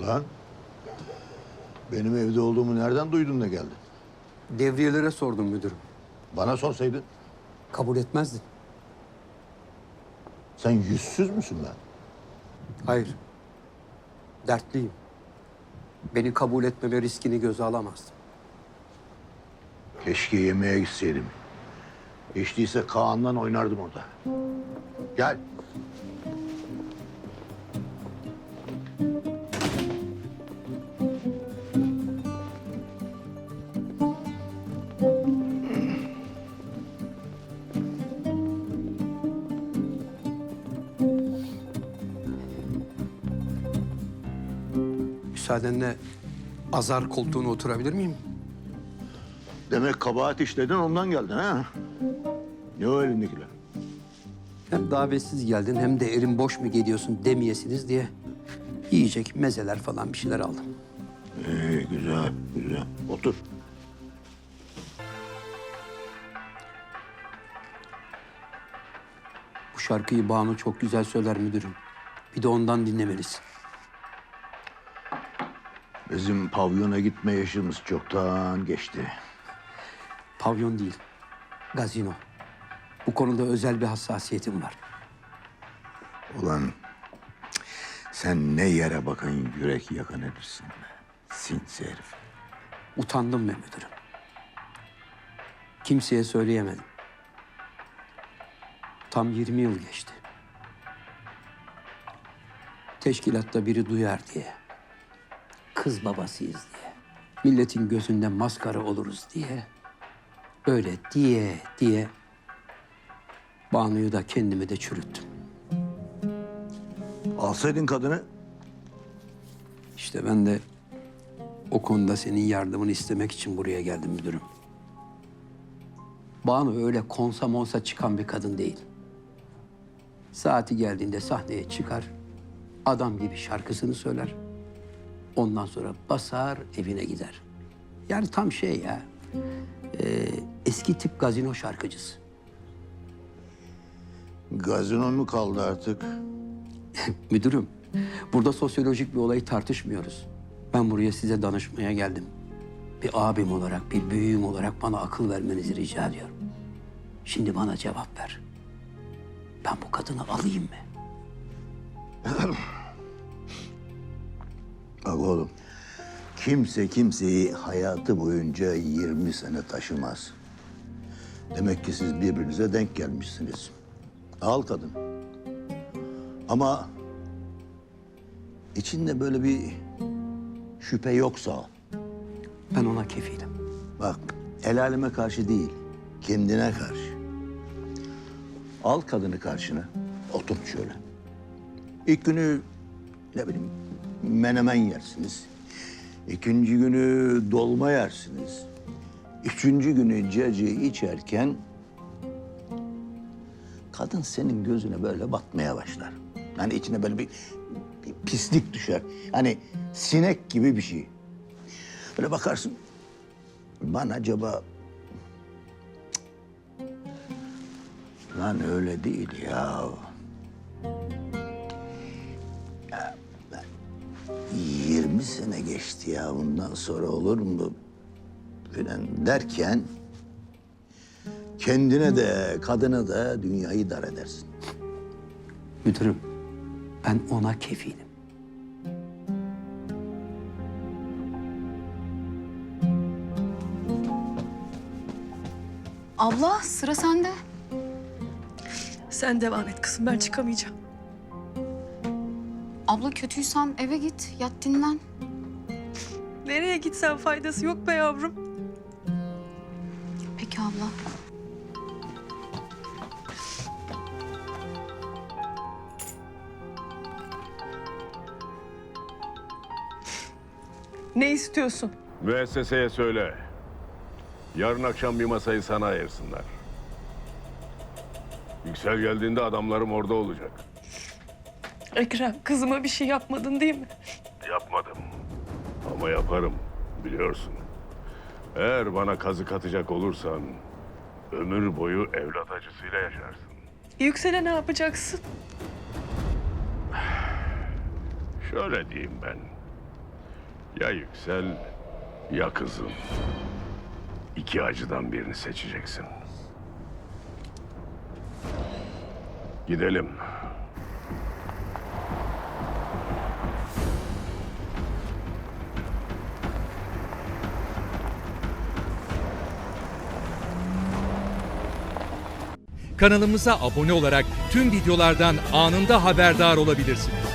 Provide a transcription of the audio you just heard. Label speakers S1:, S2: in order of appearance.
S1: Lan benim evde olduğumu nereden duydun da geldin?
S2: Devriyelere sordum müdürüm.
S1: Bana sorsaydın.
S2: Kabul etmezdin.
S1: Sen yüzsüz müsün lan?
S2: Hayır. Dertliyim. Beni kabul etmeme riskini göze alamazdım.
S1: Keşke yemeğe gitseydim. Hiç değilse Kaan'la oynardım orada. Gel.
S2: Müsaadenle azar koltuğuna oturabilir miyim?
S1: Demek kabahat işledin ondan geldin ha? Ne o elindekiler?
S2: Hem davetsiz geldin hem de elim boş mu geliyorsun demeyesiniz diye yiyecek mezeler falan bir şeyler aldım.
S1: Güzel, güzel. Otur.
S2: Bu şarkıyı Banu çok güzel söyler müdürüm. Bir de ondan dinlemelisin.
S1: Bizim pavyona gitme yaşımız çoktan geçti.
S2: Pavyon değil, gazino. Bu konuda özel bir hassasiyetim var.
S1: Ulan sen ne yere bakan yürek yakan herifsin be. Sinsi herif.
S2: Utandım be müdürüm. Kimseye söyleyemedim. Tam 20 yıl geçti. Teşkilatta biri duyar diye. Kız babasıyız diye. Milletin gözünde maskara oluruz diye. Öyle diye Banu'yu da kendimi de çürüttüm.
S1: Alsaydın kadını.
S2: İşte ben de o konuda senin yardımını istemek için buraya geldim müdürüm. Banu öyle konsa monsa çıkan bir kadın değil. Saati geldiğinde sahneye çıkar, adam gibi şarkısını söyler. Ondan sonra basar evine gider. Yani tam şey ya, eski tip gazino şarkıcısı.
S1: Gazinon mu kaldı artık?
S2: Müdürüm, burada sosyolojik bir olayı tartışmıyoruz. Ben buraya size danışmaya geldim. Bir abim olarak, bir büyüğüm olarak bana akıl vermenizi rica ediyorum. Şimdi bana cevap ver. Ben bu kadını alayım mı?
S1: Bak oğlum, kimse kimseyi hayatı boyunca 20 sene taşımaz. Demek ki siz birbirinize denk gelmişsiniz. Al kadın. Ama içinde böyle bir şüphe yoksa al.
S2: Ben ona kefilim.
S1: Bak, el aleme karşı değil, kendine karşı. Al kadını karşına, otur şöyle. İlk günü ne bileyim menemen yersiniz. İkinci günü dolma yersiniz. Üçüncü günü cacığı içerken kadın senin gözüne böyle batmaya başlar. Yani içine böyle bir pislik düşer. Hani sinek gibi bir şey. Böyle bakarsın, ben acaba... Cık. Lan öyle değil ya. Ya ben 20 sene geçti ya, bundan sonra olur mu falan derken... kendine de kadına da dünyayı dar edersin.
S2: Müdürüm, ben ona kefilim.
S3: Abla sıra sende.
S4: Sen devam et kızım, ben çıkamayacağım.
S3: Abla kötüysen eve git, yat dinlen.
S4: Nereye gitsen faydası yok be yavrum.
S3: Peki abla.
S4: Ne istiyorsun?
S5: Müesseseye söyle. Yarın akşam bir masayı sana ayırsınlar. Yüksel geldiğinde adamlarım orada olacak.
S4: Ekrem, kızıma bir şey yapmadın değil mi?
S5: Yapmadım. Ama yaparım, biliyorsun. Eğer bana kazık atacak olursan... ömür boyu evlat acısıyla yaşarsın.
S4: Yüksel'e ne yapacaksın?
S5: Şöyle diyeyim ben. Ya Yüksel ya kızım. İki acıdan birini seçeceksin. Gidelim.
S6: Kanalımıza abone olarak tüm videolardan anında haberdar olabilirsiniz.